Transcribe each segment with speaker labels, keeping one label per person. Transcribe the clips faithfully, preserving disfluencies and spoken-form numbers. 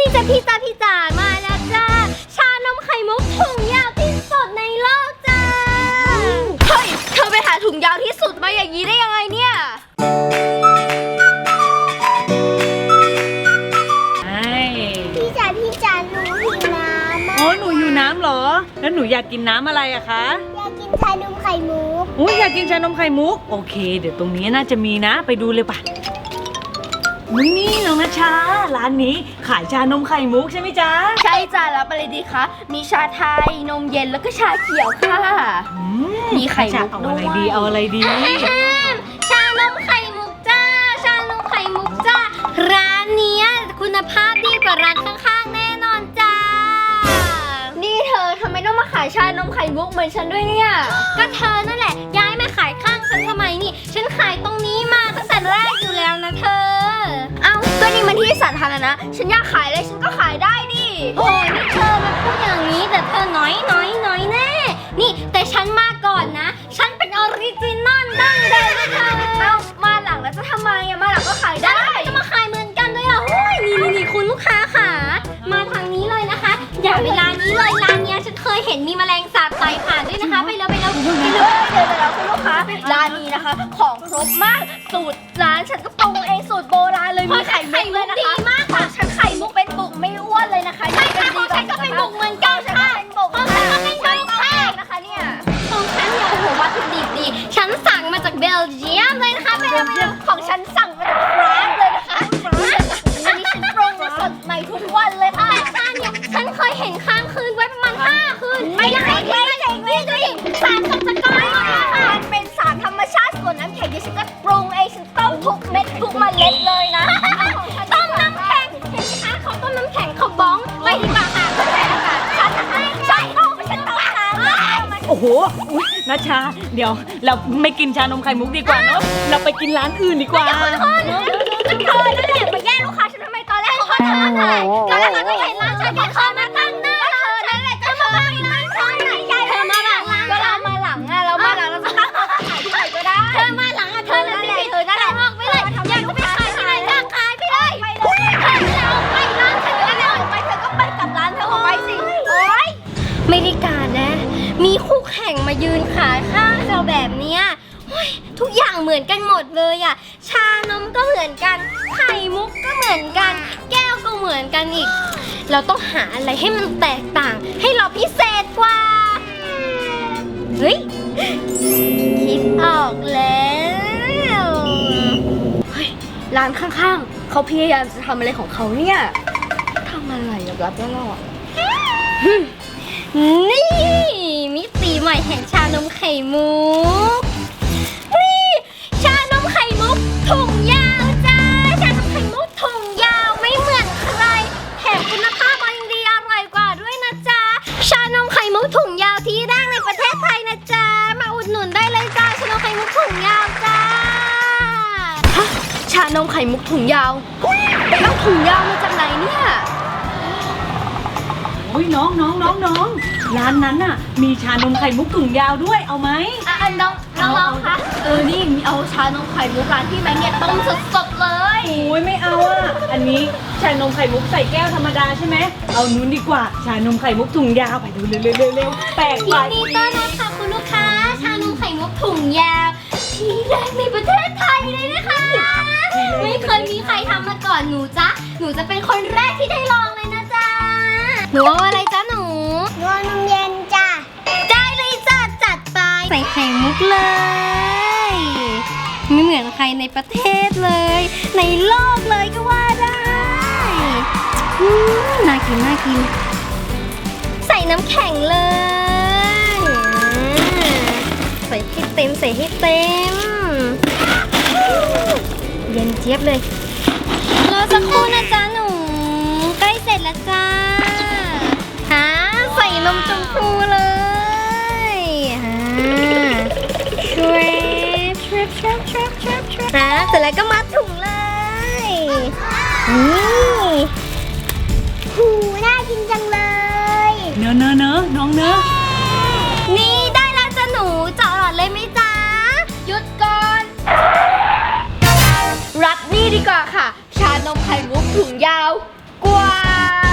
Speaker 1: จ้าพี่จ้าพี่จ๋ามาแล้วจ้าชานมไข่มุกถุงยาวที่สุดในโลกจ้าเฮ้ยเธอไปหาถุงยาวที่สุดมาอย่างนี้ได้ยังไงเนี่ยพี่จ๋าพี่จ๋าหนูหิวน้ำ
Speaker 2: อ๋อหนูอยู่น้ำเหรอแล้วหนูอยากกินน้ำอะไรอะคะ
Speaker 1: อยากกินชานมไข่มุก
Speaker 2: อุ้ยอยากกินชานมไข่มุกโอเคเดี๋ยวตรงนี้น่าจะมีนะไปดูเลยป่ะนี่นี่น้องนัชชาร้านนี้ขายชานมไข่มุกใช่ไหมจ๊ะ
Speaker 1: ใช่จ้ารับอะไรดีคะมีชาไทยนมเย็นแล้วก็ชาเขียวค่ะมีไข่มุกด้วย
Speaker 2: เอาอะไรดีเอาอะไรดี
Speaker 1: ชานมไข่มุกจ้าชานมไข่มุกจ้าร้านนี้คุณภาพดีกว่าร้านข้างๆแน่นอนจ้านี่เธอทำไมต้องมาขายชานมไข่มุกเหมือนฉันด้วยเนี่ยก็เธอนั่นแหละย้ายมาขายข้างฉันทำไมนี่ฉันขายตรงนี้มาตั้งแต่แรกอยู่แล้วนะเธอเอ้าก็นี่มันที่สาธารณะฉันอยากขายอะไรฉันก็ขายได้ดิโอ้ยนี่เธอมาพูดอย่างนี้แต่เธอน้อยน้อยน้อยแน่นี่แต่ฉันมาก่อนนะฉันเป็นออริจินอลดั้งเดิมนะเธอเอ้ามาหลังแล้วจะทำไมอะมาหลังก็ขายได้จะมาขายเหมือนกันด้วยอ่ะโอ้ยนี่นี่คุณลูกค้าค่ะมาทางนี้เลยนะคะอย่าไปร้านนี้เลยร้านนี้ฉันเคยเห็นมีแมลงสาบไต่ผ่านด้วยนะคะไปแล้วไปแล้วไปเลยเดี๋ยวเดี๋ยวคุณลูกค้าร้านนี้นะคะของครบมากสูตรร้านฉันก็ปรุงเองสูตรโบราณเลยมีไข่มุกเลยนะคะดีมากค่ะฉันไข่มุกเป็นบุกไม่อ้วนเลยนะคะใช่ค่ะของฉันก็เป็นบุกเหมือนกันค่ะของฉันก็เป็นบุกค่ะนะคะเนี่ยของฉันเนี่ยโอ้โหวัตถุดิบดีฉันสั่งมาจากเบลเยียมเลยนะคะเบลเยียมของฉันสั่งมาจากฟรานซ์เลยนะคะอันนี้ฉันปรุงสดใหม่ทุกวันเลยค่ะแต่ฉันเนี่ยฉันเคยเห็นค้างคืนไว้ประมาณห้าคืนไม่ได้ไม่ได้ไม่ได้ไม่ได้สารสกัดก้อนค่ะมันเป็นสารธรรมชาติส่วนน้ำแข็งที่ฉันก็ปรุงเองฉันต้มทุกเม็ดทุกเมล็ดเลยนะต้มน้ำแข็งเห็นไหมคะเขาต้มน้ำแข็งเขาบ้องไปดีกว่าค่ะฉันให้ฉันต้มฉันต้มน้ำ
Speaker 2: โอ้โหนัชชาเดี๋ยวเราไม่กินชานมไข่มุกดีกว่าเนาะเราไปกินร้านอื่นดีกว่า
Speaker 1: เธอเธอนั่นแหละมาแย่งลูกค้าฉันทำไมตอนแรกเขาทำอะไรตอนแรกเขาก็เห็นร้านฉันแค่เข้ามาตั้งหน้าเธอนั่นแหละจะมาตั้งร้านฉันไหนใหญ่เธอมาหลังก็เรามาหลังอะเรามาหลังเราจะตั้งเขาขายที่ไหนก็ได้เธอมาหลังอะเธอนั่นแหละเธอนั่นแหละออกไปเลยอยากไปขายที่ไหนก็ขายไปเลยเธอจะเอาไปร้านฉันก็ได้ออกไปเธอก็ไปกับร้านเธอออกไปสิโอ๊ยไม่ได้การนะมีคู่แข่งมายืนขายข้างเราแบบเนี้ยทุกอย่างเหมือนกันหมดเลยอ่ะชานมก็เหมือนกันไข่มุกก็เหมือนกันแก้วก็เหมือนกันอีกเราต้องหาอะไรให้มันแตกต่างให้เราพิเศษกว่าเฮ้ยคิดออกแล้วเฮ้ยร้านข้างๆเขาพยายามจะทำอะไรของเขาเนี่ยทำอะไรรับรับแล้วอ่ะนี่มิติใหม่แห่งชานมไข่มุกนี่ชานมไข่มุกถุงยาวจ้าชานมไข่มุกถุงยาวไม่เหมือนใครแถมคุณภาพยังดีอร่อยกว่าด้วยนะจ๊ะชานมไข่มุกถุงยาวที่แรกในประเทศไทยนะจ๊ะมาอุดหนุนได้เลยจ้าชานมไข่มุกถุงยาวจ้าฮะชานมไข่มุกถุงยาวไปเอาถุงยาวมาจากไหนเนี่ย
Speaker 2: อุ้ยน้องน้องน้องน้องร้านนั้นน่ะมีชานมไข่มุกถุงยาวด้วยเอาไหม
Speaker 1: อ่ะน้องน้องลองคะเออนี่เอาชานมไข่มุกร้านที่แม่เนี่ยต้มสดๆเลย
Speaker 2: โอ้ยไม่เอาอ่ะอันนี้ชานมไข่มุกใส่แก้วธรรมดาใช่ไหมเอานู้นดีกว่าชานมไข่มุกถุงยาวไปดูเร็วเร็วเร็วแปลกไป
Speaker 1: ยินดีต้อนรับค่ะคุณลูกค้าชานมไข่มุกถุงยาวที่แรกในประเทศไทยเลยนะคะไม่เคยมีใครทำมาก่อนหนูจ๊ะหนูจะเป็นคนแรกที่ได้ลองเลยนะจ๊ะหนูเอาอะไรจ๊ะหนูหนูเอานมเย็นจ้ะได้เลยจ้ะจัดไปใส่ไข่มุกเลยไม่เหมือนใครในประเทศเลยในโลกเลยก็ว่าได้น่ากินน่ากินใส่น้ำแข็งเลยใส่ให้เต็มใส่ให้เต็มเย็นเจี๊ยบเลยรอสักครู่นะจ๊ะหนูใกล้เสร็จแล้วจ้าฮะใส่นมชมพูเลยฮะทริปทริปทริปทริปทริปทริปฮะเสร็จแล้วก็มัดถุงเลยนี่หูน่ากินจังเลย
Speaker 2: เนอะเนอะเนอะน้องเนอะ
Speaker 1: นี่ได้แล้วจ้ะหนูเจาะหลอดเลยไหมจ๊ะหยุดก่อนรับนี่ดีกว่าค่ะชานมไข่มุกถุงยาวกว่า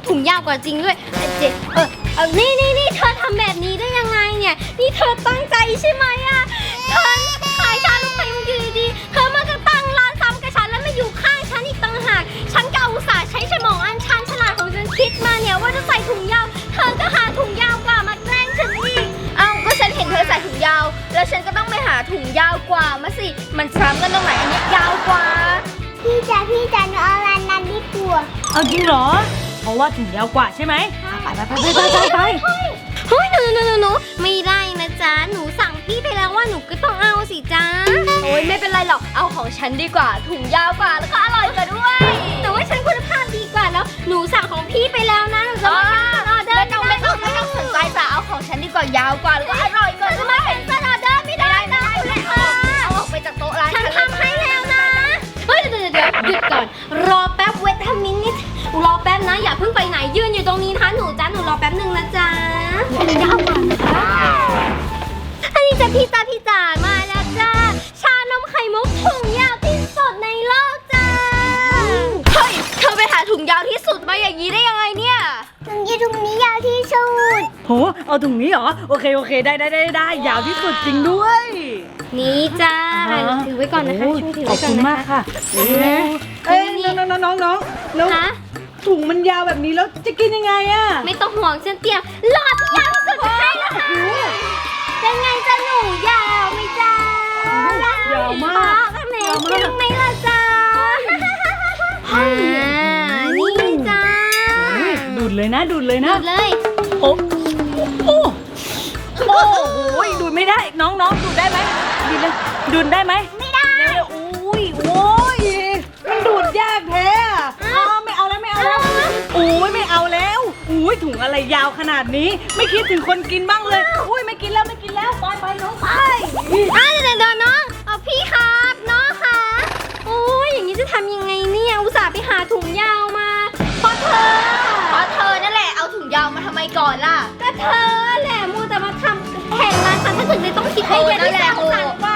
Speaker 1: ถุงยาวกว่าจริงด้วยเอ้ยเจ๊เออเอานี่นี่นี่เธอทำแบบนี้ได้ยังไงเนี่ยนี่เธอตั้งใจใช่ไหมอะเธอขายชานมไข่มุกอยู่ดีๆเธอมากระตั้งร้านซ้ำกับฉันแล้วมาอยู่ข้างฉันอีกต่างหากฉันก็อุตส่าห์ใช้สมองอันชันฉลาดของฉันคิดมาเนี่ยว่าจะใส่ถุงยาวเธอก็หาถุงยาวกว่ามาแกล้งฉันอีก
Speaker 3: เอ้าก็ฉันเห็นเธอใส่ถุงยาว แล้วฉันก็ต้องไปหาถุงยาวกว่ามาสิ มันซ้ำกันตรงไหนอันนี้ยาวกว่า
Speaker 4: พี่จ๋าพี่จ๋าหนูเอาร้านนั้นดีกว่า
Speaker 2: เอาจริงเหรอ เพราะว่าถุงยาวกว่าใช่ไหมอ่ะไปไปไปไปไปไป
Speaker 1: เฮ้ยหนูหนูหนูหนูไม่ได้นะจ๊ะหนูสั่งพี่ไปแล้วว่าหนูก็ต้องเอาสิจ๊ะ
Speaker 3: โอ้ยไม่เป็นไรหรอก เอาของฉันดีกว่า ถุงยาวกว่าแล้วก็อร่อยกว่าด้วย
Speaker 1: แต่ว่าฉันคุณภาพดีกว่าแล้วหนูสั่งของพี่ไปแล้วนะหนูจะมาแคนเซิลออเดอ
Speaker 3: ไม่
Speaker 1: ร์
Speaker 3: ต้องไม่ต้องไม่ต้องสนใจจ้ะเอาของฉันดีกว่ายาวกว่าแล้วก็อร่อยกว่า
Speaker 1: จะ
Speaker 3: ด้วย
Speaker 1: มาแคนเซิลออเดอร์ไม่ได้นะเลยค่ะ
Speaker 3: เอาออกไปจากโต๊ะร้าน
Speaker 1: ฉัน
Speaker 3: เลย
Speaker 1: ทำให้แล้วนะเฮ้ยเดี๋ยวเดี๋ยวเดี๋ยวหยุดก่อนรอแป๊บเวทมินิทรอแป๊บนะอย่าเพิ่งไปไหนยืนอยู่ตรงนี้นะคะหนูจ้าหนูรอแป๊บหนึ่งนะจ๊ะยาวกว่านะคะอันนี้จ้ะพี่จ้าพี่จ๋ามาแล้วจ้าชานมไข่มุกถุงยาวที่สุดในโลกจ้า
Speaker 3: เฮ้ย เธอไปหาถุงยาวที่สุดมาอย่างนี้ได้ยังไงเนี่ย
Speaker 4: ถุงยีถุงนี้ยาวที่สุด
Speaker 2: โหเอาถุงนี้เหรอโอเคโอเคได้ได้ได้ได้ยาวที่สุดจริงด้วย
Speaker 1: นี่จ้า
Speaker 2: อ่า
Speaker 1: ถือไว้ก่อนนะคะ
Speaker 2: โอ้
Speaker 1: ช่วยถือ
Speaker 2: ขอ
Speaker 1: ไว้
Speaker 2: บ
Speaker 1: ก่อ
Speaker 2: คุ
Speaker 1: น
Speaker 2: ณ
Speaker 1: นะ
Speaker 2: มาก
Speaker 1: คะ
Speaker 2: ค่ะ
Speaker 1: เอ้ย
Speaker 2: เอ้ย
Speaker 1: นี่
Speaker 2: น้องน้องน้องน้องแล้ว
Speaker 1: คะ
Speaker 2: ถุงมันยาวแบบนี้แล้วจะกินยังไงอะ
Speaker 1: ไม่ต้องห่วงฉันเตรียมหลอดที่ยาวที่สุดให้แล้วค่ะเป็นไงจ้าหนูยาวไหมจ้าย
Speaker 2: าวมาก
Speaker 1: แหมจริงไหมล่ะจ้าอ่านี่จ้า
Speaker 2: โอ้ยดูดเลยนะดูดเลย
Speaker 1: ห
Speaker 2: นะ
Speaker 1: มดเลย
Speaker 2: โอ้โอ้โอ้โหดูดไม่ได้น้องน้องดูดได้ไหมดูดเลยดูดได้ไหมไม่ได้โอ้ยโอ้ยมันดูดยากแท้อะอ๋อไม่เอาแล้วไม่เอาแล้วโอ้ยไม่เอาแล้วโอ้ยถุงอะไรยาวขนาดนี้ ไม่คิดถึงคนกินบ้างเลยโอ้ยไม่กินแล้วไม่กินแล้วไปไปน้องไป
Speaker 1: อ่ะเดี๋ยวเดี๋ยวน้องเอาพี่ครับน้องค่ะโอ้ยอย่างนี้จะทำยังไงเนี่ยอุตส่าห์ไปหาถุงยาวมาเพราะเธอ
Speaker 3: เพราะเธอนั่นแหละ เอาถุงยาวมาทำไมก่อนล่ะ
Speaker 1: ก็เธอแหละมัวแต่มาทำแผนร้านฉันถ้าถึงได้ต้องคิดให้เยอะที่สร้างสรรค์ก